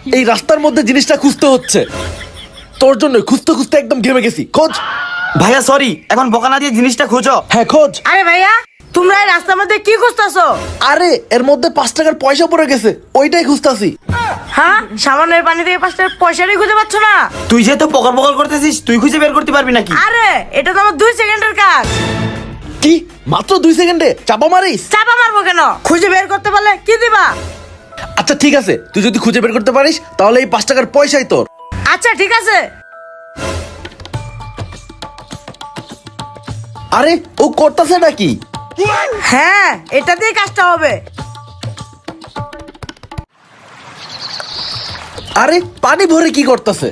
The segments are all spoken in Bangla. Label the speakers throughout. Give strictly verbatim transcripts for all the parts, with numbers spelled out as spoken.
Speaker 1: এই রাস্তার মধ্যে জিনিসটা খুঁজতে হচ্ছে, তোর জন্য খুঁজতে খুঁজতে একদম ঘেমে গেছি। খোঁজ।
Speaker 2: ভাইয়া সরি, এখন বকা না দিয়ে জিনিসটা খোঁজো।
Speaker 1: হ্যাঁ খোঁজ।
Speaker 3: আরে ভাইয়া, তোমরা এই রাস্তার মধ্যে কি খুঁজতেছো?
Speaker 1: আরে এর মধ্যে পাঁচ টাকার পয়সা পড়ে গেছে, ওইটাই খুঁজতাছি।
Speaker 3: হ্যাঁ, সামান্য পানি থেকে পাঁচ টাকার পয়সাটাই খুঁজে পাচ্ছ না?
Speaker 2: তুই যেহেতু পকর পকর করতেছিস, তুই খুঁজে বের করতে পারবি নাকি?
Speaker 3: আরে এটা তো আমার দুই সেকেন্ডের কাজ।
Speaker 1: কি মাত্র দুই সেকেন্ডে চাপা মারিস?
Speaker 3: চাপা মারবো কেন? খুঁজে বের করতে পারলে কি দিবা?
Speaker 1: আচ্ছা ঠিক আছে, তুই যদি খুঁজে বের করতে পারিস তাহলে এই পাঁচ টাকার পয়সাই তোর।
Speaker 3: আচ্ছা ঠিক আছে।
Speaker 1: আরে ও করতেছে নাকি?
Speaker 3: হ্যাঁ, এটা দিয়ে কাজটা হবে।
Speaker 1: আরে পানি ভরে কি করতেছে?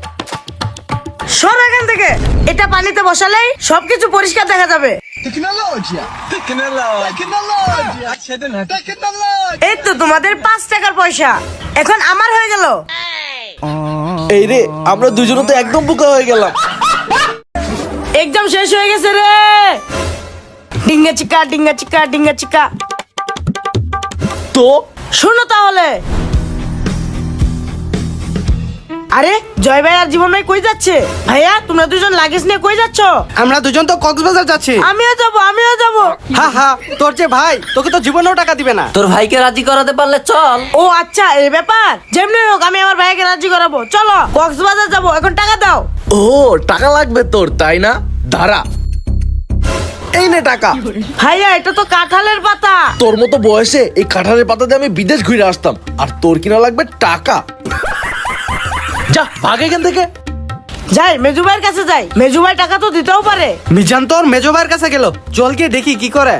Speaker 3: সর এখান থেকে। এটা পানিতে বসালেই সবকিছু পরিষ্কার দেখা যাবে।
Speaker 4: Tecnologia! Tecnologia! Tecnologia! Tecnologia! Tecnologia!
Speaker 3: এই তো তোমাদের পাঁচ টাকার পয়সা, এখন আমার হয়ে গেল।
Speaker 1: এই রে, আমরা দুজনে তো একদম বোকা হয়ে গেলাম।
Speaker 3: একদম শেষ হয়ে গেছে রে। ডিঙ্গা চিকা ডিঙ্গা চিকা ডিঙ্গা চিকা।
Speaker 1: তো
Speaker 3: শোনো তাহলে। আরে জয় ভাই আর জীবন ভাই কই যাচ্ছে? ভাইয়া তোমরা দুজন লাগেজ নিয়ে কই যাচ্ছ?
Speaker 2: আমরা দুজন তো কক্সবাজার যাচ্ছি।
Speaker 3: আমিও যাবো আমিও যাবো।
Speaker 2: হা হা, তোর যে ভাই, তোকে তো জীবনেও টাকা দিবে না।
Speaker 5: তোর ভাইকে রাজি করাতে পারলে চল।
Speaker 3: ও আচ্ছা, এই ব্যাপার। যেমনি হোক আমি আমার ভাইকে রাজি করাবো। চলো কক্সবাজার যাবো, এখন টাকা দাও।
Speaker 1: ও টাকা লাগবে তোর, তাই না? দাঁড়া, এই নে টাকা।
Speaker 3: ভাইয়া এটা তো কাঁঠালের পাতা।
Speaker 1: তোর মতো বয়সে এই কাঁঠালের পাতা দিয়ে আমি বিদেশ ঘুরে আসতাম, আর তোর কিনা লাগবে টাকা। যা ভাগ এখান থেকে।
Speaker 3: যাই মেজু ভাইয়ের কাছে যাই, মেজু ভাই টাকা তো দিতেও পারে।
Speaker 2: মিজান তোর মেজো ভাইয়ের কাছে গেল, চল গিয়ে দেখি কি করে।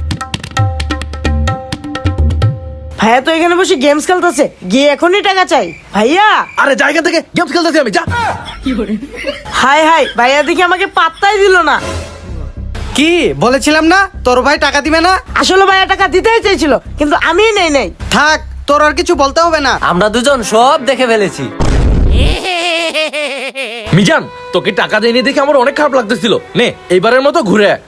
Speaker 3: ভাইয়া তো এখানে বসে গেমস খেলতেছে, গিয়ে এখনই টাকা চাই। ভাইয়া
Speaker 1: আরে জায়গা থেকে গেমস খেলতেছি আমি, যা।
Speaker 3: হাই হাই, ভাইয়া দেখি আমাকে পাত্তাই দিল না।
Speaker 2: কি বলেছিলাম না তোর ভাই টাকা দিবে না?
Speaker 3: আসলে ভাইয়া টাকা দিতেই চাইছিল, কিন্তু আমিই নেই নেই।
Speaker 2: থাক, তোর আর কিছু বলতে হবে না।
Speaker 5: আমরা দুজন সব দেখে ফেলেছি।
Speaker 1: মিজান, তোকে টাকা দেয়নি দেখে আমার অনেক খারাপ লাগতেছিল। নে এইবারের মতো ঘুরে আয়।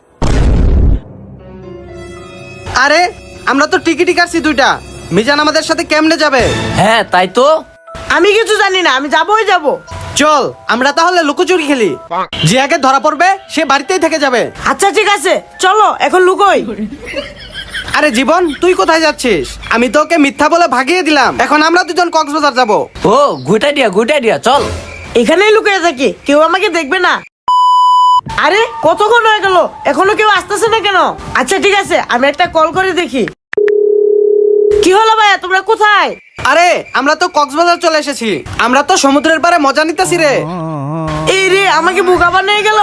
Speaker 2: আরে আমরা তো টিকিটই কাটছি দুইটা, মিজান আমাদের সাথে কেমনে যাবে?
Speaker 5: হ্যাঁ তাই তো।
Speaker 3: আমি কিছু জানি না, আমি যাবোই যাবো।
Speaker 2: চল আমরা তাহলে লুকোচুরি খেলি, যে আগে ধরা পড়বে সে বাড়িতেই থেকে যাবে।
Speaker 3: আচ্ছা ঠিক আছে, চলো এখন লুকোই।
Speaker 2: আরে জীবন, তুই কোথায় যাচ্ছিস? আমি তোকে মিথ্যা বলে ভাগিয়ে দিলাম, এখন আমরা দুজন কক্সবাজার যাব।
Speaker 5: Oh good idea good idea, চল।
Speaker 3: এখানেই লুকিয়ে থাকি, কেউ আমাকে দেখবে না। আরে কতক্ষণ হয়ে গেল, এখনো কেউ আসতেছে না কেন? আচ্ছা ঠিক আছে, আমি একটা কল করে দেখি। কি হলো ভাইয়া, তোমরা কোথায়?
Speaker 2: আরে আমরা তো কক্সবাজার চলে এসেছি, আমরা তো সমুদ্রের পাড়ে মজা নিতেছি রে।
Speaker 3: এই রে, আমাকে বোকা বানিয়ে গেল।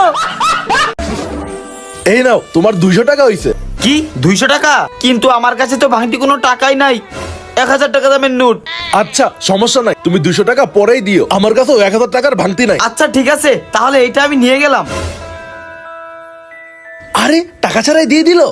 Speaker 1: এই নাও তোমার দুইশো টাকা হইছে।
Speaker 2: কি দুইশো টাকা? কিন্তু আমার কাছে তো ভাঙতি কোনো টাকাই নাই, এক হাজার টাকা দামের নোট।
Speaker 1: আচ্ছা সমস্যা নাই, তুমি দুইশো টাকা পরেই দিও, আমার কাছেও এক হাজার টাকার ভাঙতি নাই।
Speaker 2: আচ্ছা ঠিক আছে, তাহলে এইটা আমি নিয়ে গেলাম।
Speaker 1: আরে টাকা ছাড়াই দিয়ে দিল।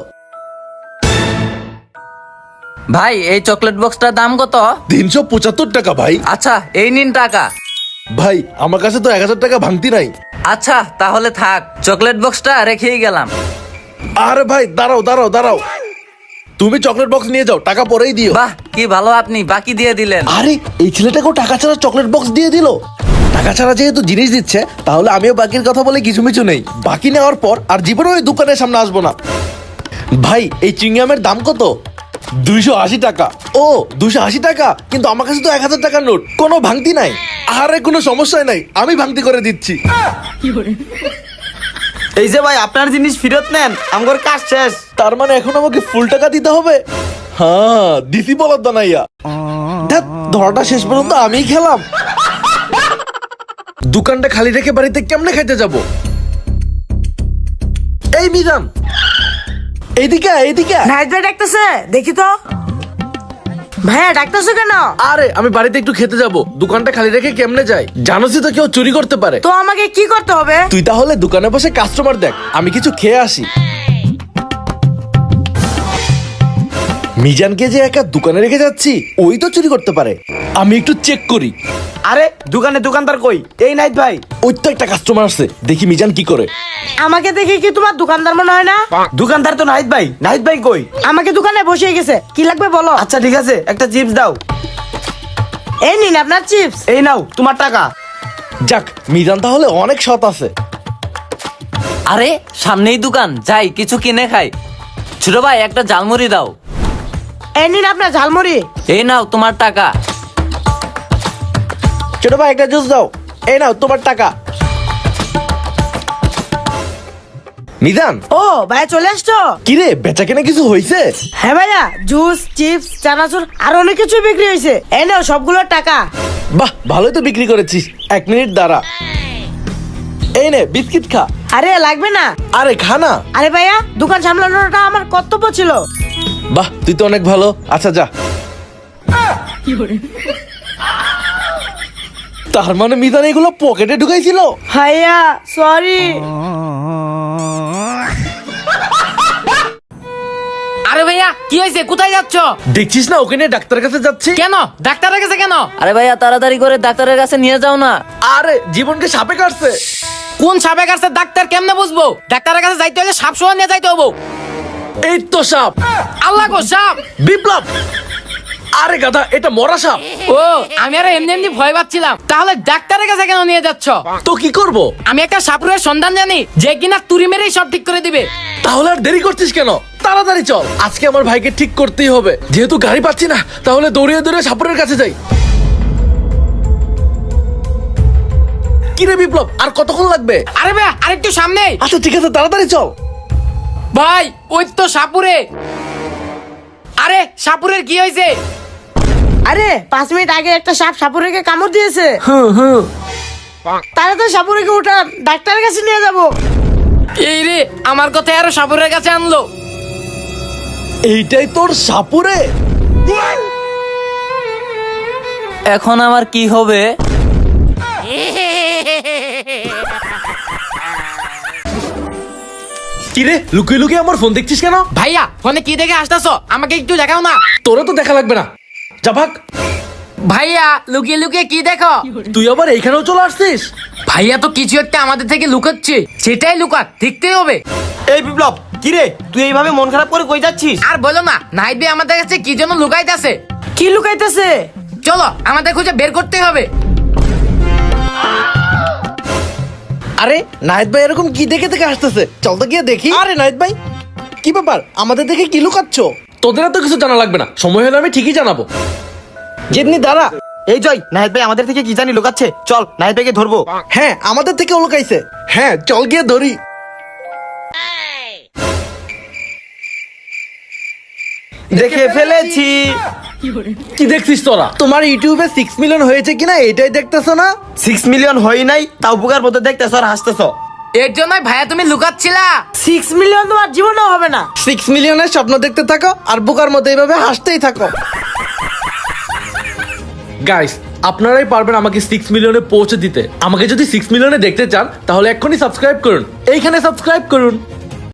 Speaker 5: ভাই এই চকলেট বক্সটার দাম কত?
Speaker 1: তিনশো পঁচাত্তর টাকা ভাই।
Speaker 5: আচ্ছা এই নিন টাকা।
Speaker 1: ভাই আমার কাছে তো এক হাজার টাকা ভাঙতি নাই।
Speaker 5: আচ্ছা তাহলে থাক, চকলেট বক্সটা রেখেই গেলাম।
Speaker 1: আরে ভাই দাঁড়াও দাঁড়াও দাঁড়াও, তুমি চকলেট বক্স নিয়ে যাও, টাকা পরেই দিও।
Speaker 5: বাহ কি ভালো, আপনি বাকি দিয়ে দিলেন।
Speaker 1: আরে এই ছেলেটাকেও টাকা ছাড়া চকলেট বক্স দিয়ে দিল। টাকা ছাড়া যেহেতু জিনিস দিচ্ছে, তাহলে আমিও বাকির কথা বলে কিছু মিছু নেই। বাকি নেওয়ার পর আর জীবনে ওই দোকানের সামনে আসবো না। ভাই এই চিংগামের দাম কত? দুইশো আশি টাকা। ও দুইশো আশি টাকা, কিন্তু আমার কাছে তো এক হাজার টাকার নোট, কোনো ভাঙতি নাই। আরে কোনো সমস্যাই নাই, আমি ভাঙতি করে দিচ্ছি।
Speaker 2: এই যে ভাই, আপনার জিনিস ফেরত নেন, আমার কাজ শেষ।
Speaker 1: তার মানে এখন আমাকে ফুল টাকা দিতে হবে? হ্যাঁ দিছি বলার দানাইয়া। ধ্যাৎ, ধরাটা শেষ পর্যন্ত আমিই খেলাম। দোকানটা খালি রেখে বাড়িতে কেমনে খাইতে যাব? এই মিজান, এইদিকে আয়, এইদিকে আয়।
Speaker 3: নাইট ভাই ডাকতেছে, দেখি তো। ভাইয়া ডাকতেছো কেন?
Speaker 1: আরে আমি বাড়িতে একটু খেতে যাব, দোকানটা খালি রেখে কেমনে যাই? জানোসই তো কেউ চুরি করতে পারে।
Speaker 3: তো আমাকে কি করতে হবে?
Speaker 1: তুই তাহলে দোকানে বসে কাস্টমার দেখ, আমি কিছু খেয়ে আসি। মিজানকে যে একা দোকানে রেখে যাচ্ছি, ওই তো চুরি করতে পারে। আমি একটু চেক করি।
Speaker 2: আরে দোকানে দোকানদার কই? এই নাইট ভাই।
Speaker 1: ওই তো একটা কাস্টমার আসছে, দেখি মিজান কি করে।
Speaker 3: আমাকে দেখে কি তোমার দোকানদার মনে হয় না?
Speaker 2: দোকানদার তো নাহিদ ভাই। নাহিদ ভাই কই?
Speaker 3: আমাকে দোকানে বসে গেছে, কি লাগবে বলো?
Speaker 2: আচ্ছা ঠিক আছে, একটা চিপস দাও।
Speaker 3: এই নিন আপনার চিপস।
Speaker 2: এই নাও তোমার টাকা।
Speaker 1: যাক, মিজান তাহলে অনেক সৎ আছে।
Speaker 5: আরে সামনেই দোকান, যাই কিছু কিনে খাই। ছোট ভাই একটা ঝালমুড়ি দাও।
Speaker 3: এই নিন আপনার ঝালমুড়ি।
Speaker 5: এই নাও তোমার টাকা।
Speaker 1: ছোট ভাই একটা জুস দাও। এই নাও তোমার টাকা। মিজান,
Speaker 3: ও ভাইয়া চলে আসছো?
Speaker 1: কিরে বেচা কেনা কিছু হয়েছে?
Speaker 3: হ্যাঁ ভাইয়া, জুস, চিপস, চানাচুর আর অনেক কিছু বিক্রি হয়েছে। এই নাও সবগুলোর টাকা।
Speaker 1: বাহ, ভালোই তো বিক্রি করেছিস। এক মিনিট দাঁড়া, এই নে বিস্কিট খা।
Speaker 3: আরে লাগবে না।
Speaker 1: আরে খা না।
Speaker 3: আরে ভাইয়া, দোকান সামলানোটা আমার কর্তব্য ছিল।
Speaker 1: বাহ, তুই তো অনেক ভালো। আচ্ছা যা। তার মানে মিজান এগুলো পকেটে ঢুকাইছিল?
Speaker 3: ভাইয়া সরি।
Speaker 6: আরে ভাইয়া কি হয়েছে, কোথায় যাচ্ছ?
Speaker 1: দেখছিস না ওকে নিয়ে ডাক্তারের কাছে যাচ্ছি।
Speaker 6: কেন ডাক্তারের কাছে কেন?
Speaker 5: আরে ভাইয়া তাড়াতাড়ি করে ডাক্তারের কাছে নিয়ে যাও না।
Speaker 1: আরে জীবনকে সাপে কাটছে।
Speaker 6: কোন সাপে কাছে ডাক্তার কেমনে বুঝবো? ডাক্তারের কাছে যাইতে হলে সাপ সোয়া নিয়ে যাইতে হবো।
Speaker 1: এই তো সাপ।
Speaker 6: আল্লাহ গো সাপ।
Speaker 1: বিপ্লব, আরে গাধা, এটা মরা সাপ।
Speaker 6: ও আমি আর এমনি এমনি ভয় পাচ্ছিলাম। তাহলে ডাক্তারের কাছে কেন নিয়ে যাচ্ছ?
Speaker 1: তো কি করব?
Speaker 6: আমি একটা সাপুরের সন্ধান জানি যে কিনা তুড়ি মেরেই সব ঠিক করে দিবে।
Speaker 1: তাহলে আর দেরি করছিস কেন? তাড়াতাড়ি চল, আজকে আমার ভাইকে ঠিক করতেই হবে। যেহেতু গাড়ি পাচ্ছি না, তাহলে দৌড়িয়ে দৌড়িয়ে সাপুরের কাছে যাই। কিরে বিপ্লব, আর কতক্ষণ লাগবে?
Speaker 6: আরে ভাইয়া আরেকটু সামনে।
Speaker 1: আচ্ছা ঠিক আছে, তাড়াতাড়ি চল।
Speaker 6: ভাই ওই তো সাপুরে। আরে সাপুরের কি হয়েছে?
Speaker 3: আরে পাঁচ মিনিট আগে একটা সাপ সাপুরেকে কামড় দিয়েছে।
Speaker 1: হুম হুম।
Speaker 3: তাড়াতাড়ি সাপুরেকে উঠান, ডাক্তারের কাছে নিয়ে যাব।
Speaker 6: এই রে, আমার কথা আরো সাপুরের কাছে আনলো।
Speaker 1: এইটাই তোর সাপুরে?
Speaker 5: এখন আমার কি হবে?
Speaker 1: কিরে লুকিয়ে লুকিয়ে আমার ফোন দেখছিস কেন?
Speaker 6: ভাইয়া ফোনে কি দেখে আসতেছো? আমাকে একটু দেখাও না।
Speaker 1: তোরা তো দেখা লাগবে না, যা ভাগ।
Speaker 6: ভাইয়া লুকিয়ে লুকিয়ে কি দেখো?
Speaker 1: তুই আবার এইখানেও চলে আসছিস?
Speaker 6: ভাইয়া তো কিছু একটা আমাদের থেকে লুকাচ্ছে, সেটাই লুকাক, দেখতেই হবে।
Speaker 2: এই বিপ্লব, কি রে তুই এইভাবে মন খারাপ করে কই যাচ্ছিস?
Speaker 6: আর বলো না, নাহিদ ভাই আমাদের কাছে কি জন্য লুকাইতেছে।
Speaker 3: কি লুকাইতেছে?
Speaker 6: চলো আমাদের খুঁজে বের করতে হবে।
Speaker 1: আরে নাহিদ ভাই এরকম কি দেখে দেখে আসতেছে? চল তো গিয়ে দেখি। আরে নাহিদ ভাই, কি ব্যাপার? আমাদের দেখে কি লুকাচ্ছ? তোদের তো কিছু জানা লাগবে না, সময় হলে আমি ঠিকই জানাবো। যেমনি দাঁড়া।
Speaker 2: এই জয়, নাহিদ ভাই আমাদের থেকে কি জানি লুকাচ্ছে। চল নাহিদ ভাইকে ধরবো।
Speaker 1: হ্যাঁ, আমাদের থেকে লুকাইছে। হ্যাঁ চল গিয়ে ধরি।
Speaker 2: দেখে ফেলেছি।
Speaker 1: কি দেখছিস তোরা? তোমার ইউটিউবে সিক্স মিলিয়ন হয়েছে কিনা এটাই দেখতেছো না?
Speaker 2: সিক্স মিলিয়ন হয় নাই, তাও বুকার মতো দেখতেছ আর হাসতেছ।
Speaker 6: এর জন্যই ভাইয়া তুমি লুকাচ্ছিলা।
Speaker 3: সিক্স মিলিয়ন তোমার জীবনেও হবে না।
Speaker 1: সিক্স মিলিয়নের স্বপ্ন দেখতে থাকো আর বোকার মতো এইভাবে হাসতেই থাকো। গাইস, আপনারাই পারবেন আমাকে সিক্স মিলিয়নে পৌঁছে দিতে। আমাকে যদি সিক্স মিলিয়নে দেখতে চান তাহলে এক্ষুনি সাবস্ক্রাইব করুন, এইখানে সাবস্ক্রাইব করুন।